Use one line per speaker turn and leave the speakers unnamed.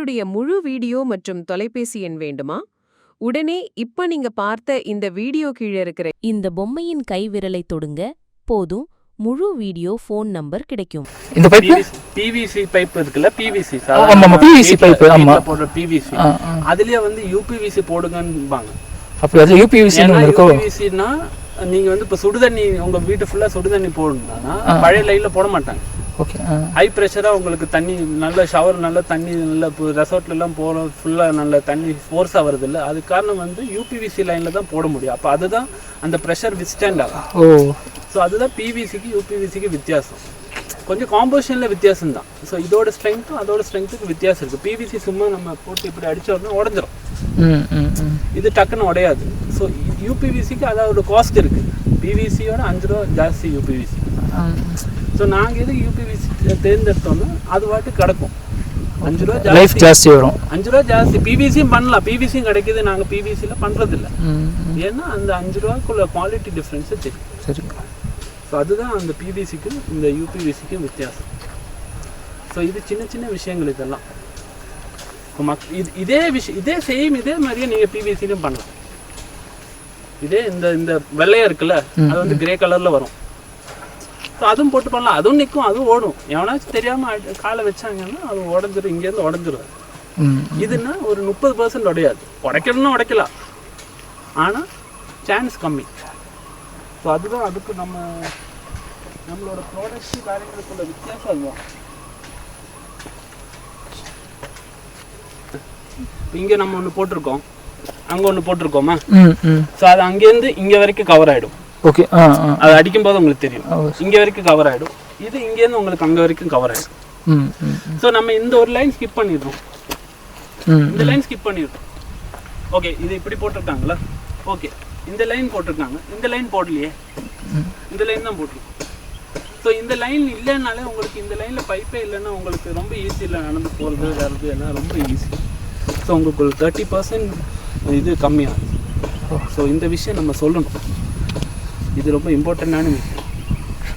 உங்களுடைய முழு வீடியோ மற்றும் தொலைபேசி எண் வேண்டுமா? உடனே இப்ப நீங்க பார்த்த இந்த வீடியோ கீழே இருக்கிற இந்த பொம்மையின் கைவிரலை தொடுங்க. போதும், முழு வீடியோ ஃபோன் நம்பர் கிடைக்கும்.
இந்த பைப்
பிவிசி பைப் இருக்குல்ல, பிவிசி
ஆமா பிவிசி பைப் ஆமா
போடுற பிவிசி, அதுலயே வந்து யூபிவிசி போடுங்கன்னுபாங்க.
அப்ப அது யூபிவிசி ன்னு இருக்கோ?
யூபிவிசினா நீங்க வந்து இப்ப சுடுதண்ணி உங்க வீட்டு ஃபுல்லா சுடுதண்ணி போடணும்னா பழைய லைன்ல போட மாட்டாங்க.
ஓகே.
ஹை ப்ரெஷரா உங்களுக்கு தண்ணி நல்ல ஷவர் நல்ல தண்ணி நல்ல ரெசார்ட்ல எல்லாம் போற ஃபுல்லா நல்ல தண்ணி ஃபோர்ஸா வருது இல்ல, அது காரணம் வந்து யூபிவிசி லைன்ல தான் போட முடியும். அப்ப அதுதான் அந்த ப்ரெஷர் வித்ஸ்டாண்ட் ஆகும்.
ஓ, ஸோ
அதுதான் பிவிசிக்கு யூபிவிசிக்கு வித்தியாசம். கொஞ்சம் காம்போசிஷன்ல வித்தியாசம் தான். ஸோ இதோட ஸ்ட்ரென்த்தும் அதோட ஸ்ட்ரென்த்துக்கு வித்தியாசம் இருக்கு. பிவிசி சும்மா நம்ம போட்டு இப்படி அடிச்சோம்னா உடஞ்சிரும், இது டக்குன்னு உடையாது. ஸோ யூபிவிசிக்கு அதோட காஸ்ட் இருக்கு. பிவிசியோட 5 ரூபா ஜாஸ்தி யூபிவிசி. ஸோ நாங்கள் எதுக்கு யூபிவிசி தேர்ந்தெடுத்தோம்னா அது வாட்டு கிடக்கும். 5 ரூபா
லைஃப் ஜாஸ்தி வரும்.
5 ரூபா ஜாஸ்தி. பிவிசியும் பண்ணலாம், பிவிசியும் கிடைக்குது. நாங்கள் பிவிசியில் பண்ணுறதில்ல, ஏன்னா அந்த 5 ரூபாக்குள்ள குவாலிட்டி டிஃப்ரென்ஸு தெரியும்.
சரி.
ஸோ அதுதான் அந்த பிவிசிக்கும் இந்த யூபிவிசிக்கும் வித்தியாசம். ஸோ இது சின்ன சின்ன விஷயங்கள் இதெல்லாம். இதே விஷயம் இதே சேம் இதே மாதிரியே நீங்கள் பிவிசிலையும் பண்ணலாம். இதே இந்த வெள்ளையா இருக்குல்ல, அது வந்து கிரே கலரில் வரும். ஸோ அதுவும் போட்டு பண்ணலாம், அதுவும் நிற்கும், அதுவும் ஓடும். எவனாச்சும் தெரியாமல் காலை வச்சாங்கன்னா அது உடஞ்சிரும், இங்கேருந்து உடஞ்சிரும். இதுன்னா ஒரு 30% உடையாது. உடைக்கணும்னா உடைக்கலாம், ஆனால் சான்ஸ் கம்மி. ஸோ அதுதான் அதுக்கு நம்மளோட ப்ராடக்ட் காரியங்களுக்குள்ள வித்தியாசம் அதுதான். இங்கே நம்ம ஒன்று போட்டிருக்கோம், அங்கே ஒன்று போட்டிருக்கோமா? ஸோ அது அங்கேருந்து இங்கே வரைக்கும் கவர் ஆகிடும்.
ஓகே.
அது அடிக்கும் போது உங்களுக்கு தெரியும், இங்கே வரைக்கும் கவர் ஆகிடும். இது இங்கேருந்து உங்களுக்கு அங்கே வரைக்கும் கவர் ஆகிடும். ஸோ நம்ம இந்த ஒரு லைன் ஸ்கிப் பண்ணிடுறோம், இந்த லைன் ஸ்கிப் பண்ணிடுறோம். ஓகே, இது இப்படி போட்டிருக்காங்களா? ஓகே, இந்த லைன் போட்டிருக்காங்க, இந்த லைன் போடலையே, இந்த லைன் தான் போட்டிருக்கோம். ஸோ இந்த லைன் இல்லைன்னாலே உங்களுக்கு இந்த லைனில் பைப்பே இல்லைன்னா உங்களுக்கு ரொம்ப ஈஸியில் நடந்து போகிறது வர்றது எல்லாம் ரொம்ப ஈஸி. ஸோ உங்களுக்கு ஒரு 30% இது கம்மியாகும். ஸோ இந்த விஷயம் நம்ம சொல்லணும், இது ரொம்ப இம்பார்ட்டண்ட்டான விஷயம்.